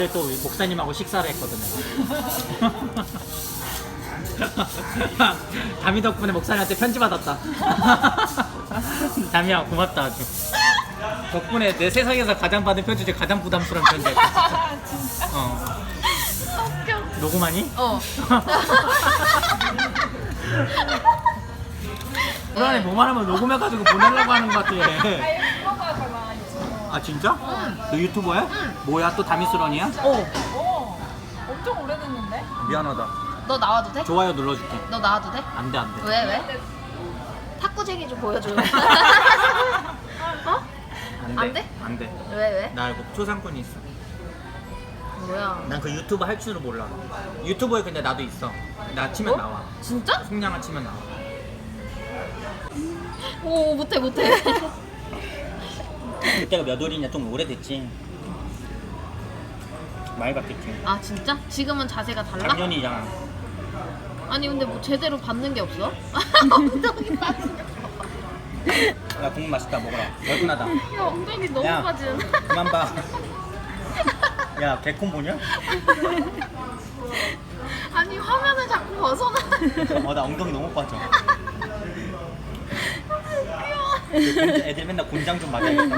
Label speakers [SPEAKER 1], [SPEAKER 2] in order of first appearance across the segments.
[SPEAKER 1] 또 목사님하고 식사를 했거든요. 담이 덕분에 목사님한테 편지 받았다. 담이야 고맙다 아주. 덕분에 내 세상에서 가장 받은 편지 중에 가장 부담스러운 편지였다.
[SPEAKER 2] 진짜? 웃겨.
[SPEAKER 1] 녹음하니?
[SPEAKER 2] 어.
[SPEAKER 1] 불안해 뭐만 하면 녹음해가지고 보내려고 하는 것 같아.
[SPEAKER 2] 유튜버잖아, 유튜버.
[SPEAKER 1] 아 진짜? 너 유튜버야? 뭐야 또 다미스런이야?
[SPEAKER 2] 엄청 오래됐는데?
[SPEAKER 1] 미안하다.
[SPEAKER 3] 너 나와도 돼?
[SPEAKER 1] 좋아요 눌러줄게.
[SPEAKER 3] 너 나와도 돼?
[SPEAKER 1] 안돼 안돼.
[SPEAKER 3] 왜 왜? 탁구쟁이 좀 보여줘. 어? 안 돼?
[SPEAKER 1] 안돼.
[SPEAKER 3] 왜 왜?
[SPEAKER 1] 나 이거 초상권이 있어.
[SPEAKER 3] 뭐야?
[SPEAKER 1] 난 그 유튜브 할 줄을 몰라. 유튜브에 근데 나도 있어. 나 치면 나와.
[SPEAKER 3] 진짜?
[SPEAKER 1] 송량아 치면 나와.
[SPEAKER 3] 오 못해 못해.
[SPEAKER 1] 그때가 몇 월이냐 좀 오래됐지. 많이 바뀌었지.
[SPEAKER 3] 아 진짜? 지금은 자세가 달라?
[SPEAKER 1] 작년이잖아.
[SPEAKER 3] 아니 근데 뭐 제대로 받는 게 없어? 엉덩이 빠지는.
[SPEAKER 1] 야 국물 맛있다 먹어라. 얼큰하다.
[SPEAKER 3] 야 엉덩이 너무
[SPEAKER 1] 야,
[SPEAKER 3] 빠지는.
[SPEAKER 1] 그만 봐. 야 개콘 보냐?
[SPEAKER 3] 아니 화면을 자꾸 벗어나.
[SPEAKER 1] 나 엉덩이 너무 빠져.
[SPEAKER 3] 귀여워.
[SPEAKER 1] 애들 맨날 곤장 좀 맞아야겠다.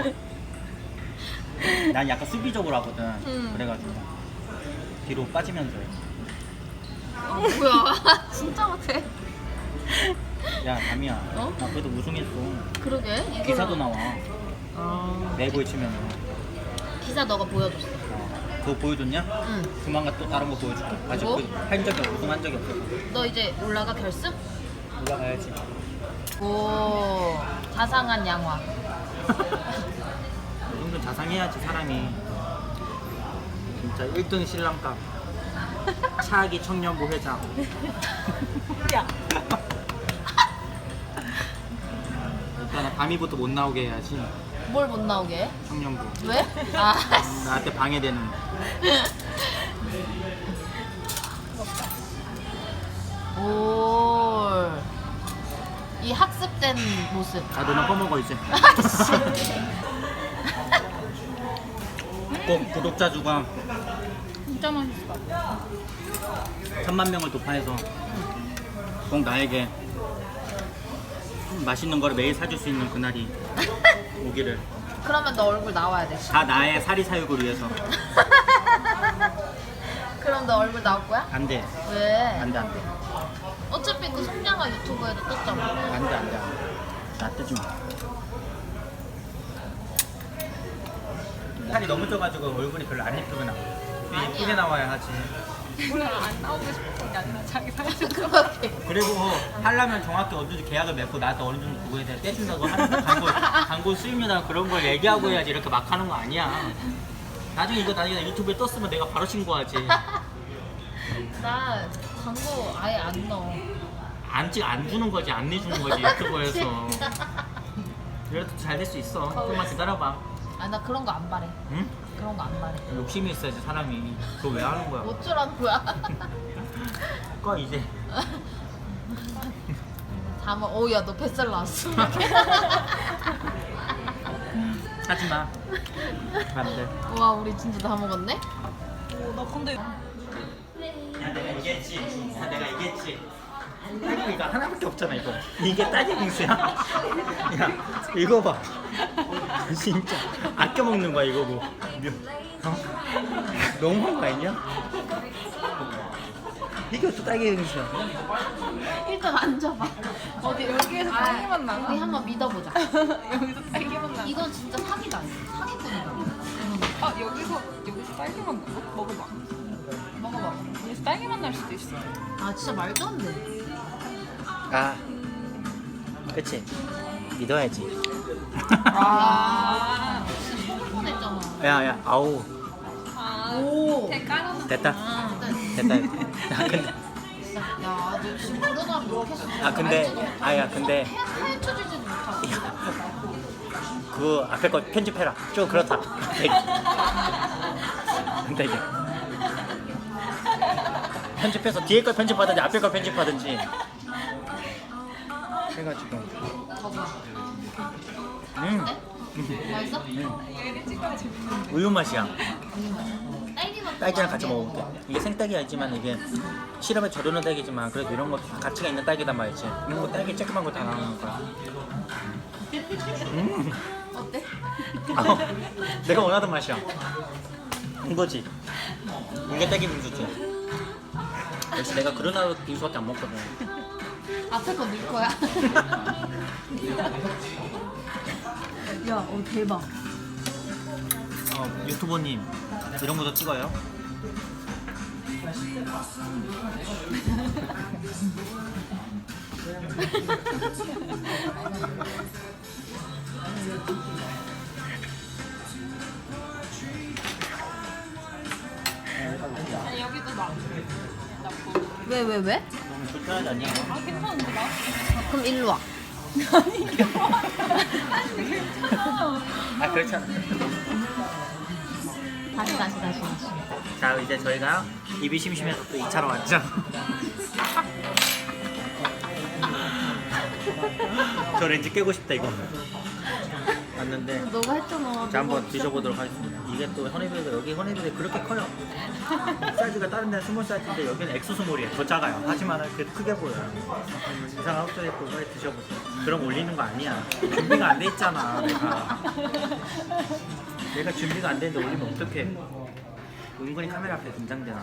[SPEAKER 1] 난 약간 수비적으로 하거든. 그래가지고 뒤로 빠지면서 해.
[SPEAKER 3] 뭐야? 진짜 못해.
[SPEAKER 1] 야 담이야.
[SPEAKER 3] 어?
[SPEAKER 1] 나 그래도 우승했어.
[SPEAKER 3] 그러게. 이걸로.
[SPEAKER 1] 기사도 나와.
[SPEAKER 3] 아,
[SPEAKER 1] 내고에 치면은.
[SPEAKER 3] 기사 너가 보여줬어.
[SPEAKER 1] 그거 보여줬냐?
[SPEAKER 3] 응.
[SPEAKER 1] 조만간 또 다른 거 보여줄게. 아직
[SPEAKER 3] 뭐?
[SPEAKER 1] 한 적이 없어. 우승한 적이 없어.
[SPEAKER 3] 너 이제 올라가 결승?
[SPEAKER 1] 올라가야지.
[SPEAKER 3] 오 자상한 양화.
[SPEAKER 1] 이 정도 자상해야지 사람이. 진짜 1등 신랑감. 차기 청년부 회장.
[SPEAKER 2] 야.
[SPEAKER 1] 일단은 밤이부터 못 나오게 해야지.
[SPEAKER 3] 뭘 못 나오게 해?
[SPEAKER 1] 청년부.
[SPEAKER 3] 왜? 아
[SPEAKER 1] 나한테 방해되는.
[SPEAKER 3] 오. 이 학습된 모습.
[SPEAKER 1] 아 너나 꺼먹어 이제. 꼭 구독자 수가
[SPEAKER 2] 진짜 맛있어.
[SPEAKER 1] 1000만 명을 돌파해서 꼭 나에게 맛있는 거를 매일 사줄 수 있는 그날이 오기를.
[SPEAKER 3] 그러면 너 얼굴 나와야 돼.
[SPEAKER 1] 다 나의 사리 사육을 위해서.
[SPEAKER 3] 그럼 너 얼굴 나올 거야?
[SPEAKER 1] 안 돼.
[SPEAKER 3] 왜?
[SPEAKER 1] 안 돼, 안 돼.
[SPEAKER 3] 어차피 그 송량아 유튜브에도 떴잖아.
[SPEAKER 1] 안 돼, 안 돼. 나 뜨지 마. 살이 너무 쪄가지고 얼굴이 별로 안 예쁘게 나와. 좀 예쁘게 나와야 하지.
[SPEAKER 2] 오늘 안 나오고 싶은 게 아니라 자기 살짝.
[SPEAKER 3] 그렇게.
[SPEAKER 1] 그리고 하려면 정확히 어느 정도 계약을 맺고 나한테 어느 정도 그거에 대해 떼준다고 하는 광고 수입료나 그런 걸 얘기하고 해야지. 이렇게 막 하는 거 아니야. 나중에 유튜브에 떴으면 내가 바로 신고하지.
[SPEAKER 3] 나 광고 아예 안 넣어.
[SPEAKER 1] 안 주는 거지, 안 내주는 거지 유튜브에서. 그래도 잘 될 수 있어. 조금만 기다려봐.
[SPEAKER 3] 아 나 그런 거 안 바래.
[SPEAKER 1] 응?
[SPEAKER 3] 그런 거 안 바래.
[SPEAKER 1] 욕심이 있어야지 사람이. 그거 왜 하는 거야?
[SPEAKER 3] 어쩌라는 거야?
[SPEAKER 1] 꺼 이제.
[SPEAKER 3] 다만 오야 너 뱃살 나왔어.
[SPEAKER 1] 하지 마. 안 돼.
[SPEAKER 3] 와 우리 진짜 다 먹었네?
[SPEAKER 2] 나 근데
[SPEAKER 1] 야 내가 얘기했지. 내가 얘기했지. 딸기 이거 하나밖에 없잖아 이거. 이게 딸기 빙수야? 야 이거 봐. 진짜 아껴 먹는 거야 이거 뭐. 어? 너무한 거 아니냐? 이게 어떻게 딸기 빙수야?
[SPEAKER 3] 일단 앉아봐.
[SPEAKER 2] 어디 여기에서 딸기만 나나?
[SPEAKER 3] 우리 한번 믿어보자.
[SPEAKER 2] 여기서 딸기만 나.
[SPEAKER 3] 이건 진짜 사기다. 사기꾼이다.
[SPEAKER 2] 아 여기서 딸기만 나? 먹어봐.
[SPEAKER 3] 먹어봐.
[SPEAKER 2] 여기서 딸기만 날 수도 있어.
[SPEAKER 3] 아 진짜 말도 안 돼.
[SPEAKER 1] 아, 그치. 믿어야지.
[SPEAKER 2] 아.
[SPEAKER 3] 진짜 뻔했잖아.
[SPEAKER 1] 야, 아우.
[SPEAKER 3] 오.
[SPEAKER 2] 깔아놔.
[SPEAKER 1] 됐다.
[SPEAKER 3] 아,
[SPEAKER 1] 됐다. 야, 근데.
[SPEAKER 3] 야, 너 지금 그러다 이렇게 했어.
[SPEAKER 1] 근데, 근데.
[SPEAKER 3] 헤쳐지지도 못하고.
[SPEAKER 1] 그 앞에 거 편집해라. 좀 그렇다. 근데 이게. 편집해서 뒤에 걸 편집하든지 앞에 걸 편집하든지. 해가지고.
[SPEAKER 3] 봐봐.
[SPEAKER 1] 맛있어?
[SPEAKER 3] 맛있어?
[SPEAKER 1] 우유 맛이야. 딸기랑 같이 먹어볼게. 이게 생딸기가 있지만 이게 시럽에 절여놓은 딸기지만 그래도 이런 거 가치가 있는 딸기단 말이지. 이런 거 딸기 쬐끄만 거 다 나오는 거야.
[SPEAKER 3] 어때?
[SPEAKER 1] 아, 내가 원하던 맛이야. 이거지. 이게 딸기 빙수지. 역시 내가 그러나 빙수밖에 안 먹거든.
[SPEAKER 3] 앞에 거 넣을 거야? 야, 대박.
[SPEAKER 1] 유튜버님 이런 것도 찍어요?
[SPEAKER 2] 아니 여기도 나.
[SPEAKER 3] 왜?
[SPEAKER 1] 너무 불편하지 않냐?
[SPEAKER 2] 아 괜찮은데 나?
[SPEAKER 3] 그럼 일로 와.
[SPEAKER 2] 아니 괜찮아. 아니 괜찮아.
[SPEAKER 1] 아 그렇잖아.
[SPEAKER 3] 다시.
[SPEAKER 1] 자 이제 저희가 입이 심심해서 또 2차로 왔죠. 저 렌즈 깨고 싶다 이거. 왔는데
[SPEAKER 3] 너가 했잖아.
[SPEAKER 1] 자 한번 드셔보도록 하겠습니다. 이게 또 허니베이가 여기 허니베이 그렇게 커요. 사이즈가 다른 데는 스몰 사이즈인데 여기는 엑소 스몰이에요. 더 작아요. 하지만 그래도 크게 보여요. 이상한 헛소리 했고 빨리 드셔보세요. 그럼 올리는 거 아니야. 준비가 안 돼 있잖아 내가 준비가 안 되는데 올리면 어떡해. 은근히 카메라 앞에 긴장되나.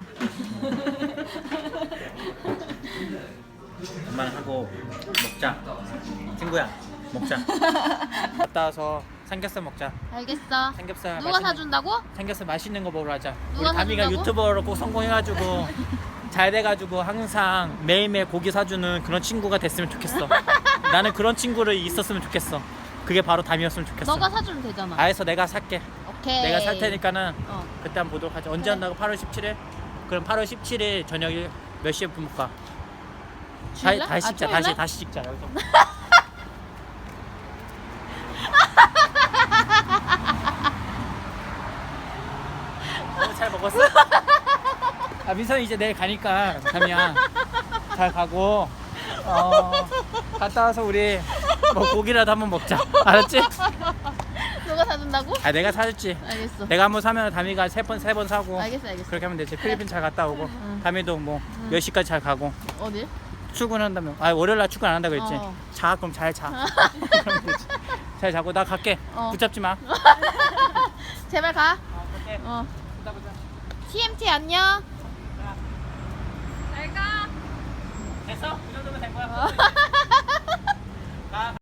[SPEAKER 1] 엄마는 하고 먹자. 친구야 먹자. 갔다 와서 삼겹살 먹자.
[SPEAKER 3] 알겠어.
[SPEAKER 1] 삼겹살
[SPEAKER 3] 누가
[SPEAKER 1] 맛있는-
[SPEAKER 3] 사준다고?
[SPEAKER 1] 삼겹살 맛있는 거 먹으러 하자.
[SPEAKER 3] 누가
[SPEAKER 1] 우리 다미가
[SPEAKER 3] 사준다고?
[SPEAKER 1] 유튜버로 꼭 성공해가지고 잘 돼가지고 항상 매일매일 고기 사주는 그런 친구가 됐으면 좋겠어. 나는 그런 친구를 있었으면 좋겠어. 그게 바로 다미였으면 좋겠어.
[SPEAKER 3] 너가 사주면 되잖아.
[SPEAKER 1] 알았어 내가 살게.
[SPEAKER 3] 오케이.
[SPEAKER 1] 내가 살 테니까는
[SPEAKER 3] 어.
[SPEAKER 1] 그때 한번 보도록 하자. 언제 한다고? 8월 17일? 그럼 8월 17일 저녁에 몇 시에 부를까?
[SPEAKER 3] 주일날?
[SPEAKER 1] 다시 찍자.
[SPEAKER 3] 토요일날?
[SPEAKER 1] 다시 찍자 여기서. 잘 먹었어? 아 민선이 이제 내일 가니까 담이야 잘 가고 갔다 와서 우리 뭐 고기라도 한번 먹자. 알았지?
[SPEAKER 3] 너가 사준다고?
[SPEAKER 1] 아 내가 사줄지.
[SPEAKER 3] 알겠어.
[SPEAKER 1] 내가 한번 사면 담이가 세 번 사고.
[SPEAKER 3] 알겠어.
[SPEAKER 1] 그렇게 하면 되지. 필리핀 잘 갔다 오고
[SPEAKER 3] 응.
[SPEAKER 1] 담이도 뭐 몇 시까지 잘 가고
[SPEAKER 3] 어디?
[SPEAKER 1] 출근한다며. 아 월요일날 출근 안 한다 그랬지.
[SPEAKER 3] 어.
[SPEAKER 1] 자 그럼 잘 자. 그러면 되지. 잘 자고 나 갈게.
[SPEAKER 3] 어.
[SPEAKER 1] 붙잡지 마.
[SPEAKER 3] 제발 가.
[SPEAKER 1] 오케이.
[SPEAKER 3] 어.
[SPEAKER 1] 보자.
[SPEAKER 3] TMT 안녕.
[SPEAKER 2] 잘 가.
[SPEAKER 1] 됐어? 이 정도면 된 거야.
[SPEAKER 3] 어.